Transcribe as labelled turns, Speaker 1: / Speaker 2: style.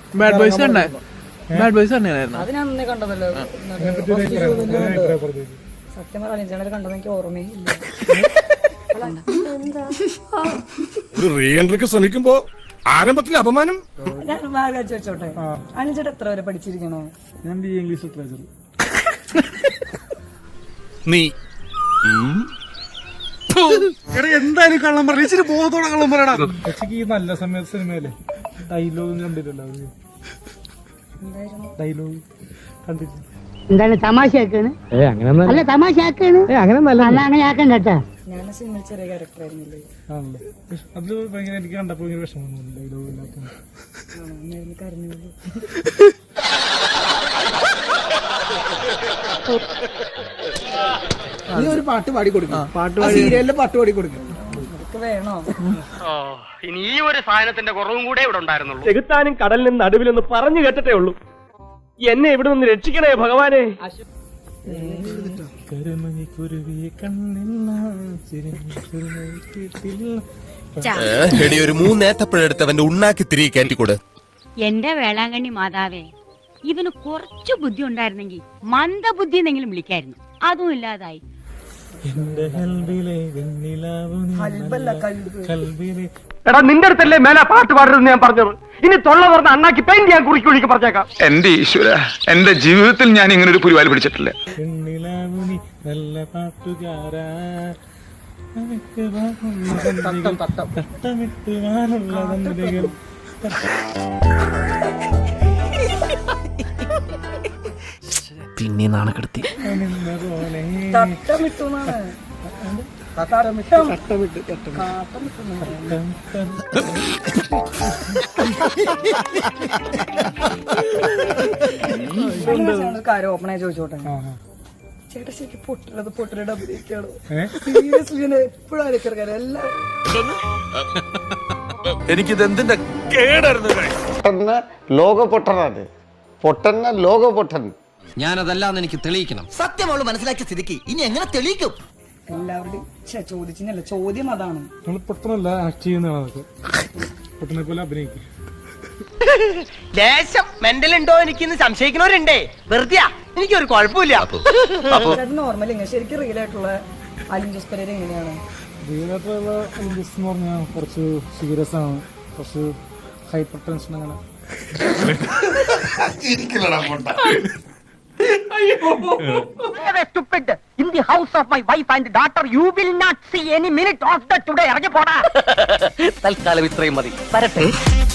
Speaker 1: Bad boys കണ്ടേ? Bad boys കണ്ടായിരുന്നു.
Speaker 2: അത് ഞാൻ അന്നേ കണ്ടതല്ലോ. സത്യം പറഞ്ഞാൽ അലിഞ്ചേട്ടനെ കണ്ടത് എനിക്ക് ഓർമ്മയില്ല.
Speaker 3: ശ്രമിക്കുമ്പോ ആരംഭത്തിൽ അപമാനം.
Speaker 2: ഞാൻ മാർഗം ചോദിച്ചോട്ടെ, അലിഞ്ചേട്ടൻ എത്ര വരെ പഠിച്ചിരിക്കണോ?
Speaker 4: ഞാൻ BA ഇംഗ്ലീഷ് ലിറ്ററേച്ചർ.
Speaker 3: നീ
Speaker 4: എന്തായാലും കള്ളം പറ, ഇച്ചിരി ബോധത്തോടെ കള്ളം പറയടാ. പക്ഷേ ഈ നല്ല സമയത്ത് സിനിമയിലെ ഡയലോഗ് കണ്ടില്ലല്ലോ. ഡയലോഗ് കണ്ടിട്ടില്ല.
Speaker 5: എന്താണ് തമാശയാക്കാണ്? അല്ല തമാശയാക്കാണ്, അങ്ങനെ ആക്കണ്ട കേട്ടാ.
Speaker 2: ഞാൻ സിനിമയിൽ ചെറിയ ക്യാരക്ടർ ആയിരുന്നില്ലേ?
Speaker 4: ആണല്ലോ. അത് ഭയങ്കര എനിക്ക് കണ്ടപ്പോ ഭയങ്കര വിഷമം തോന്നി ഡയലോഗ് ഇല്ലാത്ത.
Speaker 2: കരഞ്ഞു.
Speaker 1: നീ ഒരു പാട്ട് പാടി കൊടുക്കും, സീരിയലിലെ പാട്ട് പാടി കൊടുക്കും.
Speaker 2: വേണോ?
Speaker 6: ഇനി ഈ ഒരു സാധനത്തിന്റെ കുറവും കൂടെ ഇവിടെ ഉണ്ടായിരുന്നുള്ളൂ.
Speaker 7: ചെകുത്താനും കടലിനും നടുവിലൊന്ന് പറഞ്ഞു കേട്ടിട്ടേ ഉള്ളൂ. എന്നെ ഇവിടെ നിന്ന് രക്ഷിക്കണേ ഭഗവാനെ.
Speaker 3: ഒരു 3 ഏത്തപ്പഴെടുത്ത് അവന്റെ ഉണ്ണാക്കി തിരികെ കയറ്റിക്കൂടെ.
Speaker 5: എന്റെ വേളാങ്കണ്ണി മാതാവേ, ഇവന് കുറച്ചു ബുദ്ധി ഉണ്ടായിരുന്നെങ്കിൽ മന്ദബുദ്ധി എന്നെങ്കിലും വിളിക്കായിരുന്നു. അതും ഇല്ലാതായി.
Speaker 7: എടാ നിന്റെ അടുത്തല്ലേ മേലെ പാട്ട് പാടരുതെന്ന് ഞാൻ പറഞ്ഞത്. ഇനി തൊള്ള തുറന്ന് അണ്ണാക്കി പെയിന്റ് ഞാൻ കുറിക്ക് പറഞ്ഞേക്കാം.
Speaker 8: എന്റെ ഈശ്വര, എന്റെ ജീവിതത്തിൽ ഞാൻ ഇങ്ങനെ ഒരു പുലിവാല് പിടിച്ചിട്ടില്ല.
Speaker 4: നല്ല പാട്ടുകാരാ
Speaker 1: പിന്നെ നാണക്കെടുത്തി.
Speaker 2: കാര്യം ഓപ്പണായി ചോദിച്ചോട്ടെ, ചേട്ടാ ശരിക്കും പൊട്ടലുടെ അഭിനയിക്കാണോ? സീരിയസ്ലി എപ്പോഴും ആലോചിക്കാറ് എല്ലാം.
Speaker 3: എനിക്കിത് എന്തിന്റെ കേടായിരുന്നു.
Speaker 9: ലോക പൊട്ടനാണ്, പൊട്ടന്ന ലോക പൊട്ടൻ.
Speaker 10: ഞാനതല്ലാന്ന് എനിക്ക് തെളിയിക്കണം. സത്യം അവള് മനസ്സിലാക്കിയ സ്ഥിതിക്ക് ഇനി എങ്ങനെ തെളിയിക്കും?
Speaker 2: എല്ലാവരുടെയും ചോദിച്ചില്ല, ചോദ്യം അതാണ്.
Speaker 4: നമ്മൾ പൊട്ടനല്ല, ആക്ട് ചെയ്യുന്നതാണ് അതൊക്കെ. പൊട്ടനെ പോലെ അഭിനയിക്കും.
Speaker 7: ദേശം മെന്റൽ ഉണ്ടോ എനിക്കിന്ന് സംശയിക്കുന്നവരുണ്ടേ. വെറുതെ എനിക്കൊരു കുഴപ്പമില്ല.
Speaker 2: നോർമൽ ശരിക്കും റിയൽ ആയിട്ടുള്ള അലിൻ ജോസ് പെരേര എങ്ങനെയാണ്?
Speaker 4: റിയൽ ആയിട്ടുള്ള ഇംഗ്ലീഷ് എന്ന് പറഞ്ഞാൽ കുറച്ച് സീരിയസ് ആണ്, കുറച്ച് ഹൈപ്പർ ടെൻഷൻ അങ്ങനെ.
Speaker 7: In the house of my wife and daughter, you will not see any minute of the today. ഇറങ്ങി പോടാ. തൽക്കാലം ഇത്രയും മതി. വരട്ടെ.